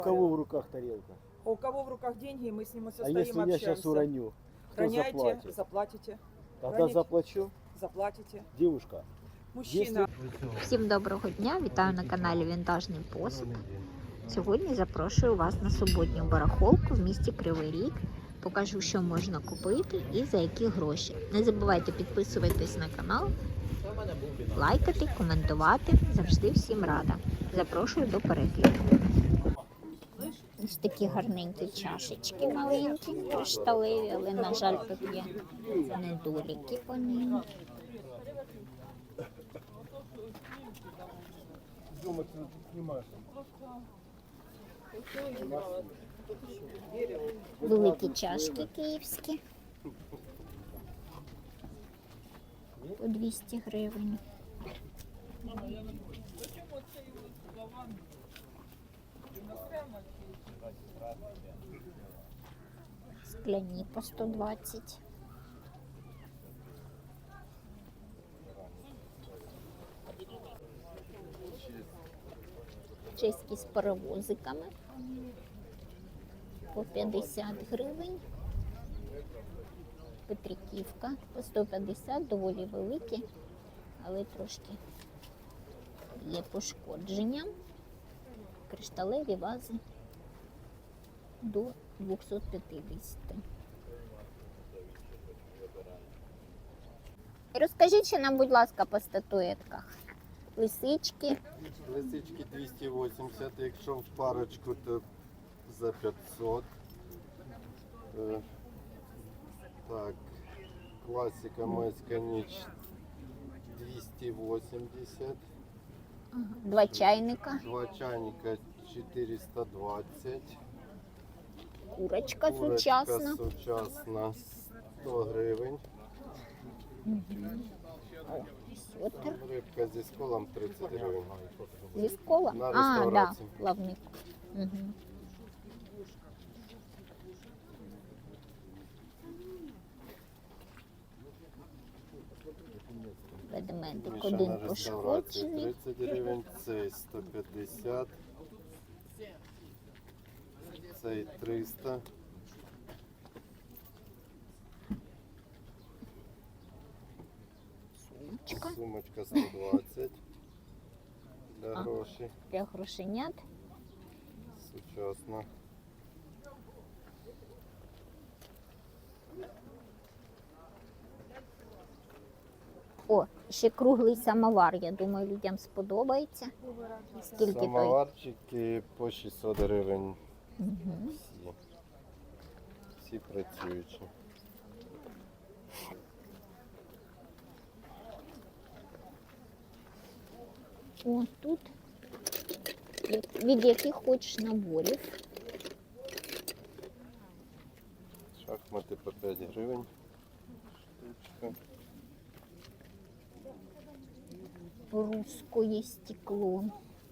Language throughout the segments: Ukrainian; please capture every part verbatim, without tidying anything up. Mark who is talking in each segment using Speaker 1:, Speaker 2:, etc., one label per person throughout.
Speaker 1: У кого в руках тарелка?
Speaker 2: У кого в руках деньги, и мы с ним и
Speaker 1: А
Speaker 2: состоим,
Speaker 1: если я
Speaker 2: общаемся.
Speaker 1: сейчас уроню, кто
Speaker 2: Роняйте,
Speaker 1: заплатит?
Speaker 2: заплатите.
Speaker 1: Тогда
Speaker 2: Роните.
Speaker 1: заплачу.
Speaker 2: Заплатите.
Speaker 1: Девушка,
Speaker 2: Мужчина.
Speaker 3: Всім доброго дня! Вітаю на каналі Вінтажний Посуд. Сьогодні запрошую вас на суботню барахолку в місті Кривий Ріг. Покажу, що можна купити і за які гроші. Не забувайте підписуватись на канал, лайкати, коментувати. Завжди всім рада. Запрошую до перегляду. Ось такі гарненькі чашечки маленькі, кришталеві, але, на жаль, тут є недоліки по ним. Великі чашки київські по двісті гривень. Скляні по сто двадцять. Чеські з паровозиками по п'ятдесят гривень. Петриківка по сто п'ятдесят, доволі великі, але трошки є пошкодження. Кришталеві вази до двісті п'ятдесят. Розкажіть ще нам, будь ласка, по статуетках. Лисички.
Speaker 4: Лисички двісті вісімдесят, якщо в парочку, то за п'ятсот. Е, так, класика майська ніч двісті вісімдесят.
Speaker 3: Два чайника.
Speaker 4: Два чайника чотириста двадцять.
Speaker 3: Курочка,
Speaker 4: Курочка
Speaker 3: сучасна.
Speaker 4: сучасна сто гривень.
Speaker 3: Сотер.
Speaker 4: Рибка зі сколом тридцять гривень.
Speaker 3: Зі скола?
Speaker 4: На
Speaker 3: А, да,
Speaker 4: реставрацію.
Speaker 3: плавник. Угу. Ведмедик
Speaker 4: Мішана
Speaker 3: один
Speaker 4: реставрація
Speaker 3: пошкоджений.
Speaker 4: тридцять гривень, цей сто п'ятдесят, цей триста.
Speaker 3: Сумочка
Speaker 4: Сумочка сто двадцять для
Speaker 3: А.
Speaker 4: грошей.
Speaker 3: для грошенят.
Speaker 4: Сучасна.
Speaker 3: О, ще круглий самовар, я думаю, людям сподобається. Скільки той?
Speaker 4: Самоварчики по шістсот гривень.
Speaker 3: Угу.
Speaker 4: Всі. Всі працюючі.
Speaker 3: О, тут від яких хочеш наборів.
Speaker 4: Шахмати по п'ять гривень. Штучка.
Speaker 3: Русское стекло.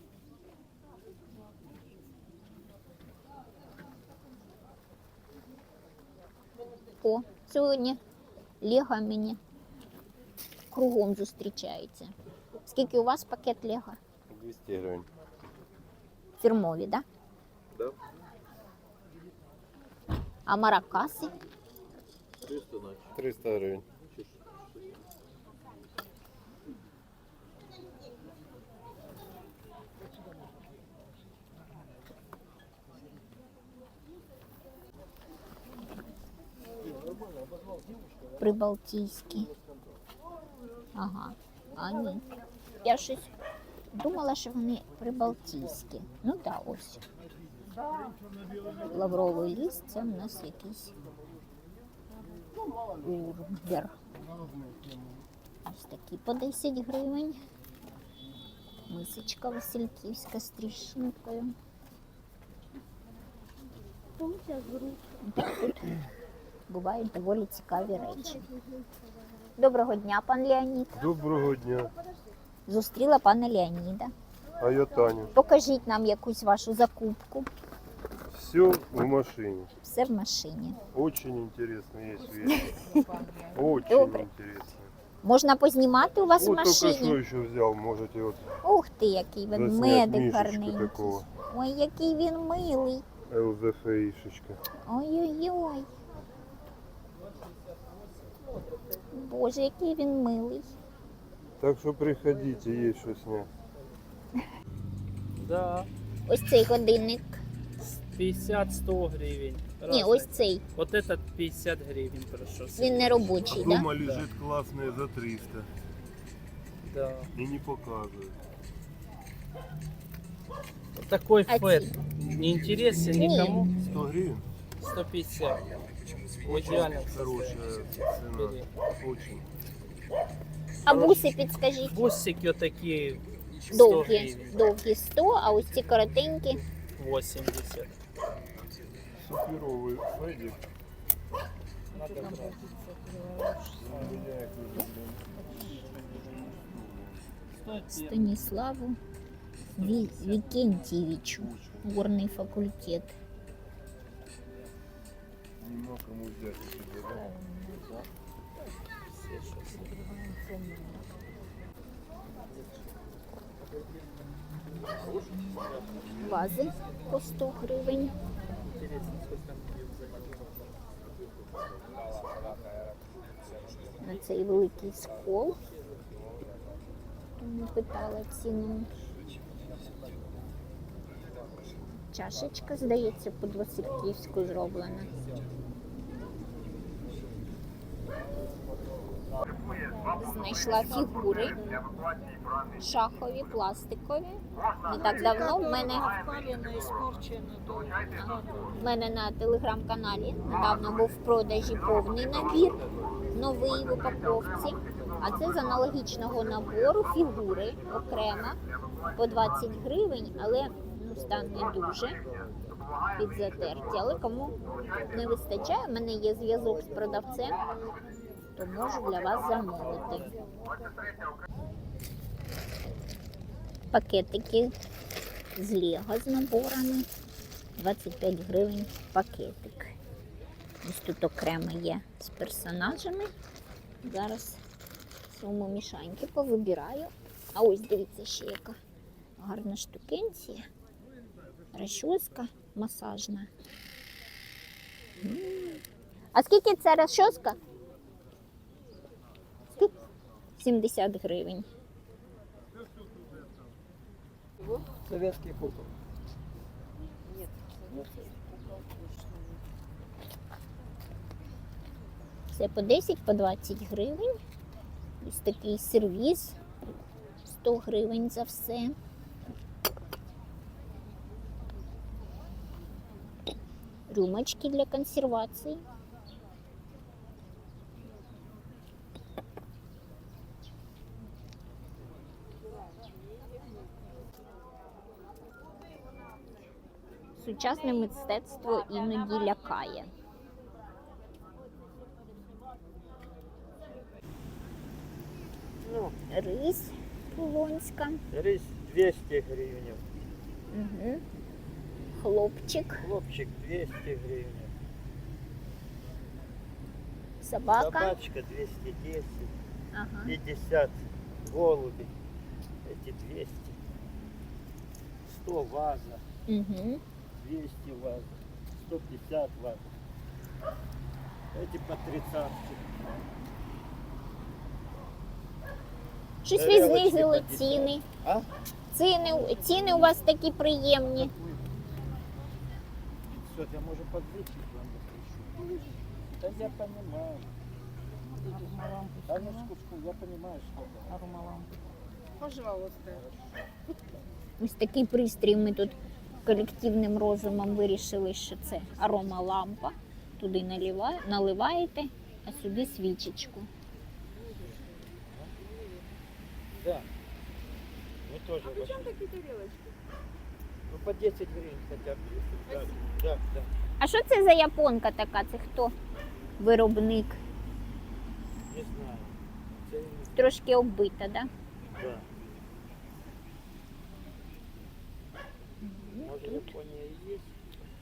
Speaker 3: О, сьогодні Лего мені кругом зустрічається. Скільки у вас пакет Лего?
Speaker 4: двісті гривень.
Speaker 3: Фірмові, так? Да?
Speaker 4: Да.
Speaker 3: А маракаси?
Speaker 4: триста гривень.
Speaker 3: Прибалтійські. Ага, а ні. Я щось думала, що вони прибалтійські. Ну так, ось. Лавровий ліс, це в нас якийсь урбер. Ось такі по десять гривень. Мисочка васильківська з тріщинкою. Так, тут бувають доволі цікаві речі. Доброго дня, пан Леонід.
Speaker 4: Доброго дня.
Speaker 3: Зустріла пана Леоніда.
Speaker 4: А я Таня.
Speaker 3: Покажіть нам якусь вашу закупку.
Speaker 4: Все в машине.
Speaker 3: Все в машині.
Speaker 4: Очень интересные есть вещи. Очень
Speaker 3: Добре.
Speaker 4: интересные.
Speaker 3: Можна познімати у вас в
Speaker 4: Вот только что
Speaker 3: машині?
Speaker 4: еще взял, можете вот
Speaker 3: Ух ти, який
Speaker 4: заснять
Speaker 3: ведмедик
Speaker 4: мишечку
Speaker 3: гарненький.
Speaker 4: такого.
Speaker 3: Ой, який він милий.
Speaker 4: ЛЗФІшечка.
Speaker 3: Ой-ой-ой. Боже, який він милий.
Speaker 4: Так що приходіть, є що зняти.
Speaker 5: Да,
Speaker 3: Ось цей годинник.
Speaker 5: пятьдесят-сто гривен.
Speaker 3: Ні,
Speaker 5: Разный.
Speaker 3: ось цей.
Speaker 5: Вот этот пятьдесят гривен прошу.
Speaker 3: Він не робочий, так? Да?
Speaker 4: Дома лежить класний за триста.
Speaker 5: Да.
Speaker 4: І не показує.
Speaker 5: Вот такой
Speaker 3: А
Speaker 5: фэт.
Speaker 3: ці?
Speaker 5: Не интересен
Speaker 3: Не.
Speaker 5: никому.
Speaker 4: сто гривень?
Speaker 5: сто пятьдесят. В идеальном
Speaker 4: Хорошая
Speaker 5: состоянии.
Speaker 4: цена.
Speaker 5: Бери.
Speaker 4: Очень.
Speaker 3: А буси підскажіть.
Speaker 5: Бусики вот такие сто
Speaker 3: Довгі.
Speaker 5: гривен.
Speaker 3: Довгі сто, а ось ці коротенькі.
Speaker 5: восемьдесят.
Speaker 4: Суперовий федик.
Speaker 5: Надо брать.
Speaker 3: Станіславу Ві... Вікентьєвичу. Горний факультет.
Speaker 4: Нема кому взяти себе, да?
Speaker 5: Все шесть.
Speaker 3: Вази по сто гривень.
Speaker 5: Интересно, сколько они заняли.
Speaker 3: На цей великий скол. Не питала ціну. Чашечка, здається, по-васильківську зроблена. Знайшла фігури шахові, пластикові. Не так давно в мене, в мене на телеграм-каналі недавно був в продажі повний набір, новий в упаковці. А це з аналогічного набору фігури окремо по двадцять гривень, але ну, стан не дуже підзатерті. Але кому не вистачає, в мене є зв'язок з продавцем, то можу для вас замовити. Пакетики з Лего з наборами. двадцять п'ять гривень пакетик. Ось тут окремо є з персонажами. Зараз суму мішаньки повибираю. А ось дивіться ще яка гарна штукенція. Розчоска масажна. М. А скільки це розчоска? Скільки? сімдесят гривень.
Speaker 1: Советский кукол.
Speaker 3: Це по десять, по двадцять гривень. Ось такий сервіз. сто гривень за все. Рюмочки для консервації. Сучасне мистецтво іноді лякає.
Speaker 1: Ну,
Speaker 3: Рись полонська.
Speaker 1: рис двести гривен.
Speaker 3: Угу. Хлопчик,
Speaker 1: Хлопчик двести гривен.
Speaker 3: собака.
Speaker 1: Собачка двести десять.
Speaker 3: Ага.
Speaker 1: пятьдесят голуби. Эти двести. сто ваза.
Speaker 3: Угу.
Speaker 1: двести ваза. сто пятьдесят ваза. Эти по тридцатке.
Speaker 3: Щось ви
Speaker 1: Тарелочки
Speaker 3: знизили
Speaker 1: по десять.
Speaker 3: ціни.
Speaker 1: А?
Speaker 3: Ціни, ціни у вас такі приємні.
Speaker 1: пятьсот, я можу подвигать вам запишу. Да я понимаю. Да ну скучку, я понимаю, что это.
Speaker 2: Пожалуйста.
Speaker 3: Ось такий пристрій ми тут колективним розумом вирішили, що це аромалампа. Туди наливає, наливаєте, а сюди свічечку.
Speaker 1: Да. Мы тоже. А
Speaker 2: Причем такие тарелочки?
Speaker 1: Ну по десять гривен хотя бы. Да, да, да.
Speaker 3: А що це за японка така? Це хто? Виробник.
Speaker 1: Не знаю. Це-
Speaker 3: Трошки оббита, да?
Speaker 1: Да. Может, Япония и есть?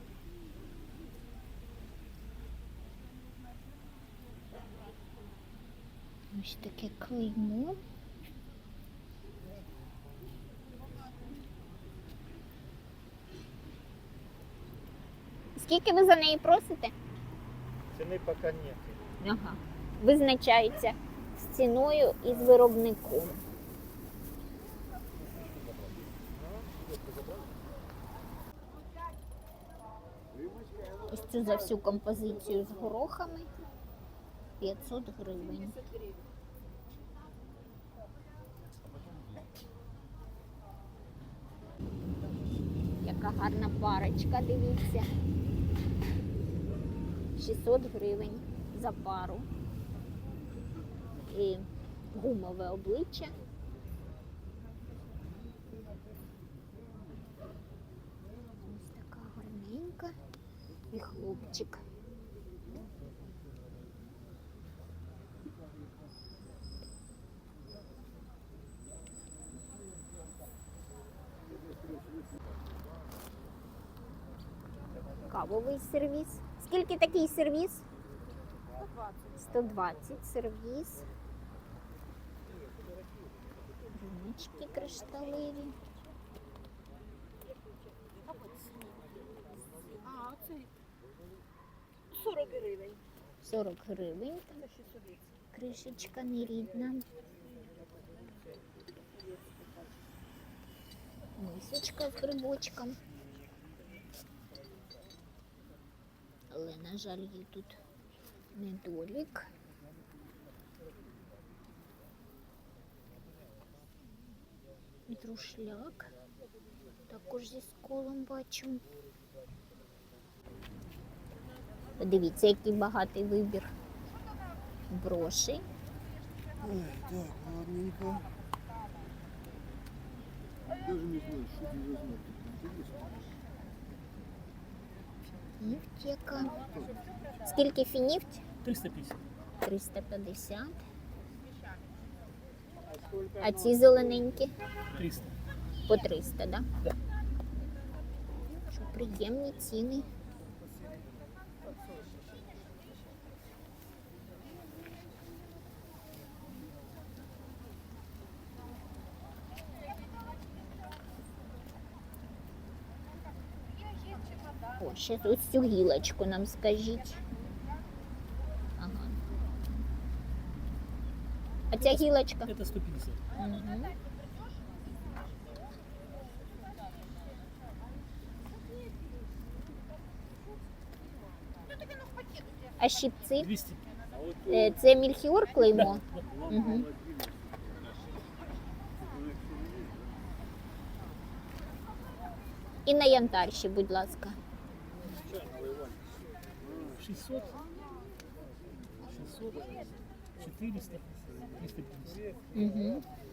Speaker 3: Ось таке клеймо. Скільки ви за неї просите?
Speaker 5: Ціни поки нет.
Speaker 3: Ага. Визначається з ціною і з виробником. Ось цю за всю композицію з горохами п'ятсот гривень. Яка гарна парочка, дивіться. шістсот гривень за пару. І гумове обличчя. Ось така гарненька. І хлопчик. Кавовий сервіс. Скільки такий сервіс? сто двадцять сервіс. Рюмочки кришталеві.
Speaker 2: А, оцей сорок гривень.
Speaker 3: сорок гривень. Кришечка нерідна. Мисочка з грибочком. Але, на жаль, є тут недолік. Друшляк. Також зі сколом бачу. Подивіться, який багатий вибір брошей.
Speaker 4: Ой, так, ладненько. Даже не знаю, что ты возьмешь.
Speaker 3: Нефтека. Скільки фінівть?
Speaker 5: триста п'ятдесят.
Speaker 3: триста п'ятдесят. А ці зелененькі?
Speaker 5: триста.
Speaker 3: По триста, да?
Speaker 5: Да.
Speaker 3: Що, приємні ціни. О, ще тут цю гілочку нам скажіть. Ага. А ця гілочка?
Speaker 5: Это сто пятьдесят.
Speaker 3: Угу. А щипці?
Speaker 5: двести.
Speaker 3: Е, Це мільхіор клеймо? Угу. І на янтар ще, будь ласка.
Speaker 5: шестьсот. шестьсот. четыреста. триста пятьдесят.
Speaker 3: Угу.